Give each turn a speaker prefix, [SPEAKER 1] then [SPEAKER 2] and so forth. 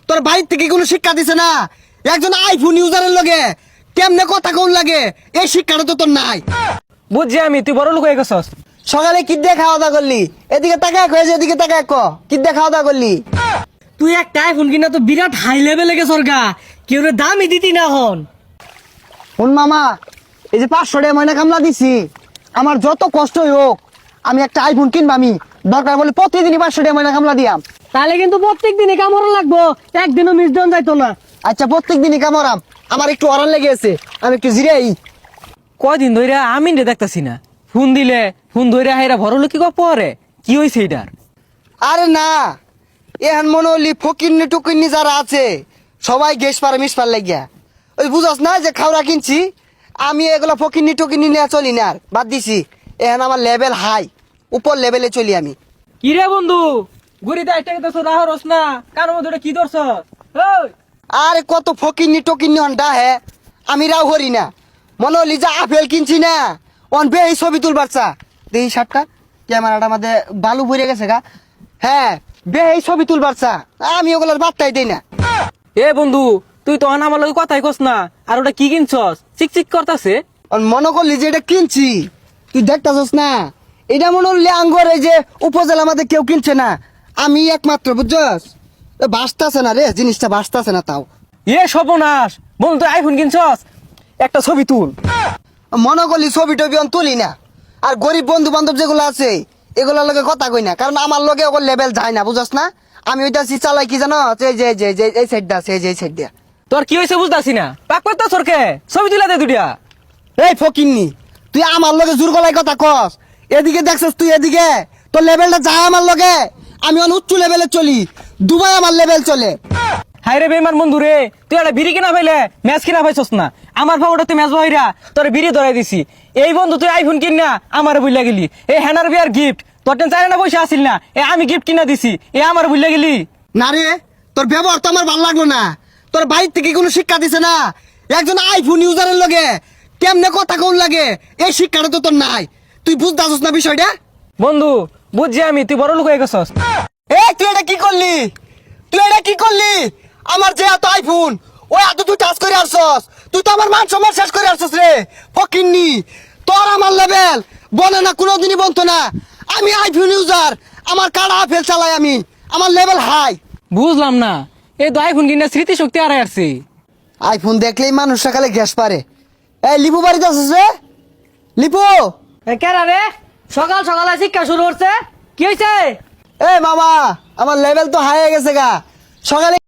[SPEAKER 1] তোর বাইর থেকে কোনো শিক্ষা দিছে না। একজন আইফোন ইউজারের লগে কেমনে কথা কোন লাগে এই শিক্ষাটা তো তোর নাই।
[SPEAKER 2] বুঝছি আমি, তুই বড় লোক হয়ে গেছস।
[SPEAKER 1] সকালে কি দিয়ে খাওয়া দাওয়া করলি? এদিকে তাকায় কয়েছে, এদিকে তাকায় ক কি দিয়ে খাওয়া দাওয়া করলি?
[SPEAKER 3] তুই একটা আইফোন কিনা তো বিরাট হাই লেভেলে গেছর গা, কেউ দামই দিতি না হন।
[SPEAKER 1] শুন মামা, এই যে 500 টাকা ময়না কামলা দিছি, আমার যত কষ্টই হোক আমি একটা আইফোন কিনবো। আমি দরকার বলে প্রতিদিনই 500 টাকা ময়না কামলা দিয়াম।
[SPEAKER 3] তাহলে কিন্তু প্রত্যেক দিনই কামড় লাগবো, একদিনও মিস দেন যাইতো না।
[SPEAKER 1] আচ্ছা প্রত্যেক দিনই কামড়াম, আমার একটু অরান লেগে আছে, আমি একটু জিরাই।
[SPEAKER 2] কয়দিন ধরে আমি রে দেখতাছি না, ফোন দিলে ফোন ধরে হাইরা বড় লোক কি পরে কি হয়েছে এটার?
[SPEAKER 1] আরে না, এখন মনে হলি ফকিন্নি টুকিন্নি যারা আছে সবাই গেস পারে মিস পার লাগিয়া। ওই বুঝাস না যে খাওয়া কিনছি, আমি এগুলো ফকিন্নি টুকিন্নি নিয়ে চলি না, আর বাদ দিছি। এখন আমার লেভেল হাই, উপর লেভেলে চলি আমি।
[SPEAKER 2] কি রে বন্ধু, গুড়িতে একটা কথা রাহ রস না, কারোর মধ্যে ওটা কি ধরছ? ওই
[SPEAKER 1] আরে কত ফকিন্নি টকিন্নি অনটা হে, আমি রাও হরি না। মনে হলি যে আপেল কিনছি না, অন বে এই ছবি তুলবার চা দেখি শার্টটা ক্যামেরাটা আমাদের বালু ভরে গেছে গা। হ্যাঁ বে এই ছবি তুলবার চা, আমি ওগুলোর বার্তাই দেই না।
[SPEAKER 2] এ বন্ধু, তুই তো আমার লগে কথাই কস না, আর ওটা কি কিনছস? চিকচিক করতাছে।
[SPEAKER 1] মনে করলি যে এটা কিনছি, তুই দেখতাছস না, এটা মনে হলি আঙ্গর এই যে উপজেলা আমাদের কেউ কিনছে না, আমি একমাত্র, বুঝছস? বাঁচতাছে না রে, জিনিসটা বাঁচতাছে না। তাও
[SPEAKER 2] এ সর্বনাশ, বন্ধু তুই আইফোন কিনছস, একটা ছবি তুল।
[SPEAKER 1] মনে করলি ছবি টবি অন তুলি না, আর গরিব বন্ধু বান্ধব যেগুলো আছে এগুলোর লগে কথা কই না, কারণ আমার লগে ওগুলো লেভেল যায় না, বুঝছস না? আমি ওইটা চালাই কি জানো, এই যে এই সাইডটা আছে, এই যে এই সাইড দিয়া।
[SPEAKER 2] তোর কি হয়েছে বুঝতাছি না, পাক পাত্তা সরকে ছবি তুলা দে দুইটা।
[SPEAKER 1] এই ফকিন্নি, তুই আমার লগে জোর গলায় কথা কস, এদিকে দেখছস তুই, এদিকে তোর লেভেলটা যায় আমার লগে। আমি অন উচ্চ লেভেলে চলি, দুবাই আমার লেভেল চলে।
[SPEAKER 2] হাই রে বেমান বন্ধু রে, তুই একটা বিড়ি কিনা পাইলে ম্যাচ কিনা পাইছস না, আমার ভাবটা তুই ম্যাচ বহিরা তোর বিড়ি ধরাই দিছি। এই বন্ধু তুই আইফোন কিন না আমার বুঝলা গেলি, এই হ্যানার বিয়ার গিফট তোর টেন চাই না পয়সা আসিল না, এ আমি গিফট কিনা দিছি, এ আমার বুঝলা গেলি।
[SPEAKER 1] না রে, তোর ব্যবহার তো আমার ভালো লাগলো না। তোর বাইর থেকে কোনো শিক্ষা দিছে না। একজন আইফোন ইউজারের লগে কেমনে কথা কোন লাগে এই শিক্ষাটা তো তোর নাই। তুই বুঝতেছস না বিষয়টা?
[SPEAKER 2] বন্ধু বুঝছি আমি, তুই বড় লোক হয়ে গেছস।
[SPEAKER 1] এই তুই এটা কি করলি? তুই এটা কি করলি? আমার যে এত আইফোন, ওই এত তুই টাচ করে আসছস, তুই তো আমার মান সম্মান শেষ করে আসছস রে ফকিন্নি। তোর আমার লেভেল বনে না, কোনোদিনই বলতো না। আমি আইফোন ইউজার, আমার কাড়া আপেল চালাই আমি, আমার লেভেল হাই।
[SPEAKER 2] বুঝলাম না, এই তো আইফোন কিনা স্মৃতিশক্তি হারাই আসছে।
[SPEAKER 1] আইফোন দেখলেই মানুষ সকালে গ্যাস পারে। এই লিপু বাড়িতে আসছিস রে? লিপু,
[SPEAKER 3] কেরা রে, সকাল সকালে শিক্ষা শুরু করছে, কি হয়েছে?
[SPEAKER 1] এ মামা, আমার লেভেল তো হাই হয়ে গেছে গা। সকালে